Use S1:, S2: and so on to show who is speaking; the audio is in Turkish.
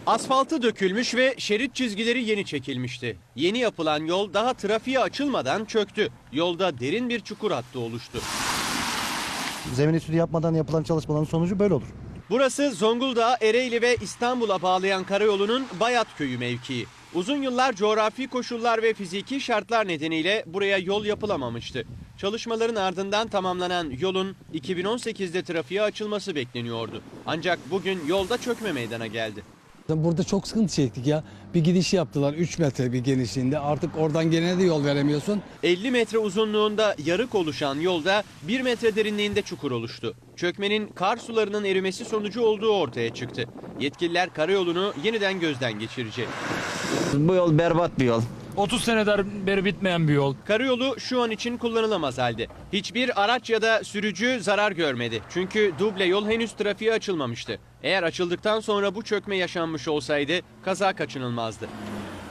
S1: Asfaltı dökülmüş ve şerit çizgileri yeni çekilmişti. Yeni yapılan yol daha trafiğe açılmadan çöktü. Yolda derin bir çukur hattı oluştu.
S2: Zemin etüdü yapmadan yapılan çalışmaların sonucu böyle olur.
S1: Burası Zonguldak'ı Ereğli ve İstanbul'a bağlayan karayolunun Bayat Köyü mevkii. Uzun yıllar coğrafi koşullar ve fiziki şartlar nedeniyle buraya yol yapılamamıştı. Çalışmaların ardından tamamlanan yolun 2018'de trafiğe açılması bekleniyordu. Ancak bugün yolda çökme meydana geldi.
S3: Burada çok sıkıntı çektik ya. Bir gidiş yaptılar 3 metre bir genişliğinde. Artık oradan gelene de yol veremiyorsun.
S1: 50 metre uzunluğunda yarık oluşan yolda 1 metre derinliğinde çukur oluştu. Çökmenin kar sularının erimesi sonucu olduğu ortaya çıktı. Yetkililer karayolunu yeniden gözden geçirecek.
S4: Bu yol berbat bir yol.
S5: 30 senedir beri bitmeyen bir yol.
S1: Karayolu şu an için kullanılamaz halde. Hiçbir araç ya da sürücü zarar görmedi. Çünkü duble yol henüz trafiğe açılmamıştı. Eğer açıldıktan sonra bu çökme yaşanmış olsaydı kaza kaçınılmazdı.